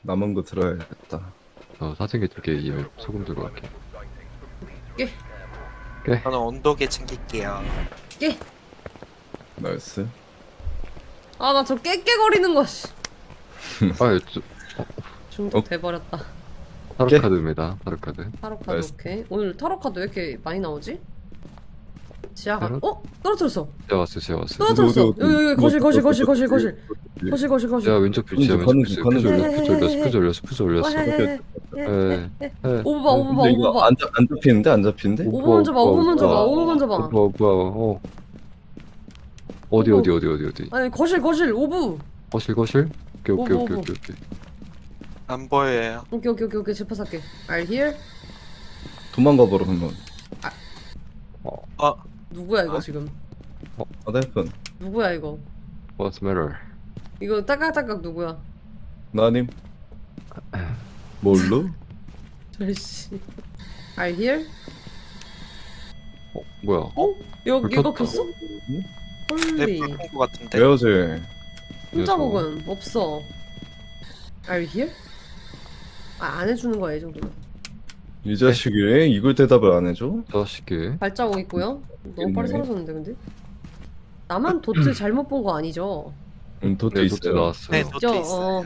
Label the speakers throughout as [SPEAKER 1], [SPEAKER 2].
[SPEAKER 1] 남은 거 들어야겠다.
[SPEAKER 2] 사진기 2개 이에 소금 들고 갈게.
[SPEAKER 3] 저는 온도계 챙길게요.
[SPEAKER 1] 나이스.
[SPEAKER 4] 아, 나 저 깨깨거리는 거, 씨.
[SPEAKER 2] 아,
[SPEAKER 4] 중독 돼버렸다.
[SPEAKER 2] 타로
[SPEAKER 1] 깨?
[SPEAKER 2] 카드입니다. 타로 카드.
[SPEAKER 4] 타로 카드,
[SPEAKER 1] 나이스.
[SPEAKER 4] 오케이. 오늘 타로 카드 왜 이렇게 많이 나오지? 지하가,
[SPEAKER 2] 타로?
[SPEAKER 4] 떨어뜨렸어.
[SPEAKER 2] 제가 왔어요.
[SPEAKER 4] 떨어뜨렸어.
[SPEAKER 1] 어디,
[SPEAKER 4] 여기, 거실.
[SPEAKER 1] 어디.
[SPEAKER 4] 거실.
[SPEAKER 2] 제가 왼쪽 뷰, 제가 왼쪽 뷰.
[SPEAKER 1] 가는
[SPEAKER 2] 퓨즈 올렸어.
[SPEAKER 4] 네. 오버 봐,
[SPEAKER 1] 근데 이거
[SPEAKER 4] 오버 봐.
[SPEAKER 1] 안 잡히는데? 안 잡히는데?
[SPEAKER 4] 오버 먼저 봐, 오버 먼저 봐, 오버 먼저 봐.
[SPEAKER 2] 뭐야, 어디.
[SPEAKER 4] 아니, 거실, 오브.
[SPEAKER 2] 거실. 오케이.
[SPEAKER 3] 안 보여요.
[SPEAKER 4] 오케이, 짚어살게. Are here?
[SPEAKER 1] 도망가 버려 한번.
[SPEAKER 4] 누구야, 이거 지금?
[SPEAKER 1] 아달픈.
[SPEAKER 4] 누구야, 이거?
[SPEAKER 2] What's matter?
[SPEAKER 4] 이거 딸깍딸깍 누구야?
[SPEAKER 1] 나님. 뭘로?
[SPEAKER 4] 저씨. Are here?
[SPEAKER 2] 뭐야?
[SPEAKER 4] 여기
[SPEAKER 2] 불
[SPEAKER 4] 이거
[SPEAKER 2] 켰다.
[SPEAKER 4] 켰어?
[SPEAKER 3] 네,
[SPEAKER 4] 홀리.
[SPEAKER 3] 불편한 것 같은데.
[SPEAKER 1] 왜요지?
[SPEAKER 4] 혼자
[SPEAKER 2] 녀석.
[SPEAKER 4] 먹은 없어. Are you here? 안 해주는 거야 이 정도면.
[SPEAKER 1] 이 자식이 이걸 대답을 안 해줘?
[SPEAKER 2] 자식이.
[SPEAKER 4] 발자국 있고요. 너무 빨리
[SPEAKER 1] 있네.
[SPEAKER 4] 사라졌는데 근데. 나만 도트 잘못 본 거 아니죠?
[SPEAKER 1] 도트
[SPEAKER 2] 네, 도트
[SPEAKER 1] 있어요.
[SPEAKER 2] 나왔어요.
[SPEAKER 3] 네, 노트 있어요.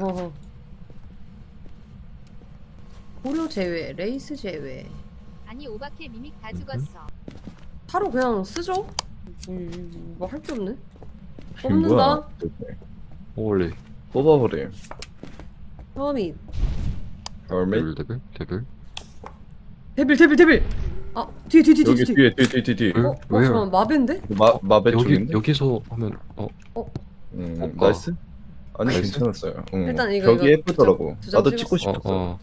[SPEAKER 4] 고려 제외, 레이스 제외.
[SPEAKER 5] 아니 오바케 미믹 다 죽었어.
[SPEAKER 4] 타로 그냥 쓰죠? 뭐 할 게 없네.
[SPEAKER 1] 이게 뭐야?
[SPEAKER 4] 뽑는다.
[SPEAKER 2] 홀리.
[SPEAKER 1] 뽑아버림.
[SPEAKER 4] 처음이
[SPEAKER 1] 얼메?
[SPEAKER 2] 데빌.
[SPEAKER 4] 데빌. 아 뒤에.
[SPEAKER 1] 여기 뒤에.
[SPEAKER 4] 잠깐만 마벤데?
[SPEAKER 1] 마베
[SPEAKER 2] 여기
[SPEAKER 1] 쪽인데?
[SPEAKER 2] 여기서 하면 볼까?
[SPEAKER 1] 나이스? 아니
[SPEAKER 2] 나이스?
[SPEAKER 1] 괜찮았어요.
[SPEAKER 4] 일단 이거
[SPEAKER 1] 벽이 예쁘더라고.
[SPEAKER 4] 두장
[SPEAKER 1] 나도
[SPEAKER 4] 찍었어.
[SPEAKER 1] 찍고 싶었어.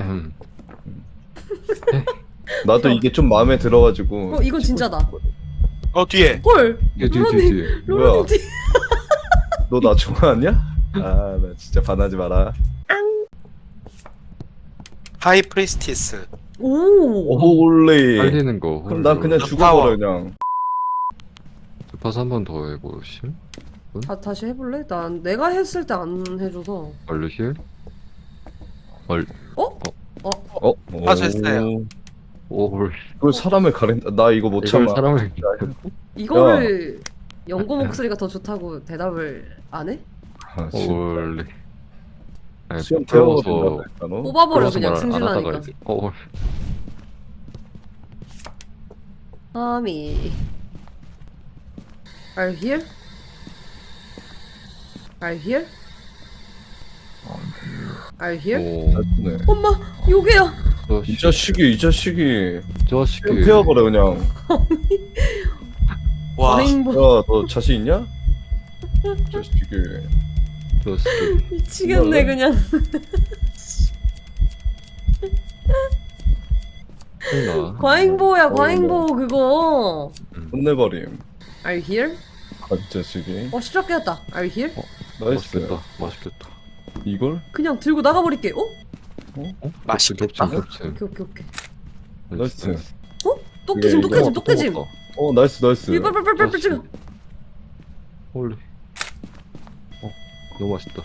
[SPEAKER 1] 나도 이게 좀 마음에 들어가지고.
[SPEAKER 4] 이건 진짜다.
[SPEAKER 3] 뒤에.
[SPEAKER 4] 헐.
[SPEAKER 2] 뒤에.
[SPEAKER 4] 로라님
[SPEAKER 1] 뭐야?
[SPEAKER 4] 뒤.
[SPEAKER 1] 너 나 좋아하냐? 아, 나 진짜 반하지 마라.
[SPEAKER 3] 하이 프리스티스.
[SPEAKER 4] 오.
[SPEAKER 1] 홀리.
[SPEAKER 2] 빨리는 거.
[SPEAKER 1] 그럼 난 그냥
[SPEAKER 3] 나
[SPEAKER 1] 죽어버려 그냥.
[SPEAKER 2] 파스 한 번 더 해보실?
[SPEAKER 4] 다시 해볼래? 난 내가 했을 때 안 해줘서.
[SPEAKER 2] 얼른 힐?
[SPEAKER 3] 맞았어요.
[SPEAKER 2] 올.
[SPEAKER 1] 그걸 사람을 가린다. 나 이거 못
[SPEAKER 2] 이걸
[SPEAKER 1] 참아.
[SPEAKER 2] 사람을
[SPEAKER 4] 이거를 연고 목소리가 더 좋다고 대답을 안 해?
[SPEAKER 1] 아, 진짜.
[SPEAKER 2] 올리. 아니,
[SPEAKER 1] 수염
[SPEAKER 2] 부러워서
[SPEAKER 1] 태워버린다. 너?
[SPEAKER 4] 뽑아버려
[SPEAKER 2] 부러워서
[SPEAKER 4] 그냥
[SPEAKER 2] 말안 하다가
[SPEAKER 4] 승질나니까.
[SPEAKER 2] 이제
[SPEAKER 4] 아미. Are you here? Are you here? Are you here?
[SPEAKER 2] 오.
[SPEAKER 1] 네.
[SPEAKER 4] 엄마 요게야.
[SPEAKER 1] 이 자식이
[SPEAKER 2] 자식이.
[SPEAKER 1] 수염 태워버려 그냥.
[SPEAKER 3] 와,
[SPEAKER 4] 레인보
[SPEAKER 1] 야, 너 자신 있냐? 자식이.
[SPEAKER 2] 자식이.
[SPEAKER 4] 미치겠네 그냥. 과잉보호야 과잉보호 그거.
[SPEAKER 1] 혼내버림.
[SPEAKER 4] Are you here?
[SPEAKER 1] 아, 이 자식이.
[SPEAKER 4] 십자게 했다. Are you here?
[SPEAKER 1] 나이스.
[SPEAKER 2] 맛있겠다.
[SPEAKER 1] 이걸?
[SPEAKER 4] 그냥 들고 나가버릴게.
[SPEAKER 3] 맛있겠다.
[SPEAKER 2] 겹침.
[SPEAKER 4] 오케이.
[SPEAKER 1] 나이스.
[SPEAKER 4] 똑개짐
[SPEAKER 1] 이게
[SPEAKER 4] 똑개짐.
[SPEAKER 1] 나이스.
[SPEAKER 4] 빨빨빨빨빨 지금.
[SPEAKER 2] 홀리. 너무 맛있다.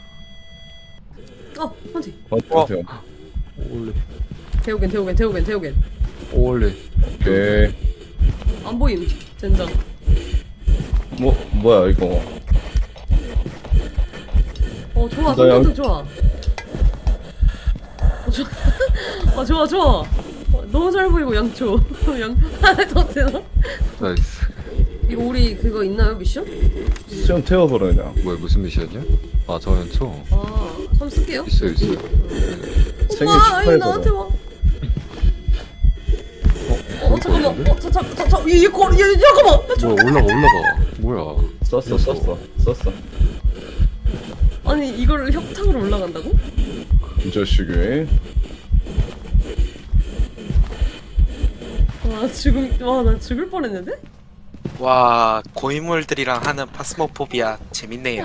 [SPEAKER 4] 한티.
[SPEAKER 1] 맞죠?
[SPEAKER 2] 홀리.
[SPEAKER 4] 태우겐.
[SPEAKER 2] 홀리.
[SPEAKER 1] 오케이.
[SPEAKER 4] 안 보임. 젠장.
[SPEAKER 1] 뭐야 이거?
[SPEAKER 4] 좋아.
[SPEAKER 1] 나 양-
[SPEAKER 4] 성격도 좋아. 좋아. 너무 잘 보이고 양초. 더 되나?
[SPEAKER 2] 나이스.
[SPEAKER 4] 이거 우리 그거 있나요 미션?
[SPEAKER 1] 수염 태워버려 그냥.
[SPEAKER 2] 뭐야 무슨 미션이야? 저는 초.
[SPEAKER 4] 한번 쓸게요.
[SPEAKER 2] 있어요.
[SPEAKER 1] 생일
[SPEAKER 4] 엄마, 아니
[SPEAKER 1] 축하해서.
[SPEAKER 4] 나한테 와. 잠깐만. 얘 잠깐만.
[SPEAKER 2] 뭐야 올라가. 뭐야?
[SPEAKER 1] 썼어.
[SPEAKER 4] 아니 이걸 협탁으로 올라간다고?
[SPEAKER 1] 이 자식이.
[SPEAKER 4] 나 죽을 뻔했는데?
[SPEAKER 3] 와, 고인물들이랑 하는 파스모포비아 재밌네요.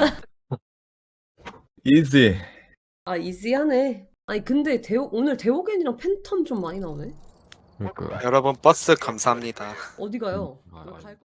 [SPEAKER 1] 이지.
[SPEAKER 4] 이지하네. 아니 근데 오늘 데오겐이랑 팬텀 좀 많이 나오네.
[SPEAKER 2] 그러니까.
[SPEAKER 3] 여러분 버스 감사합니다.
[SPEAKER 4] 어디 가요?
[SPEAKER 2] 아,
[SPEAKER 4] 갈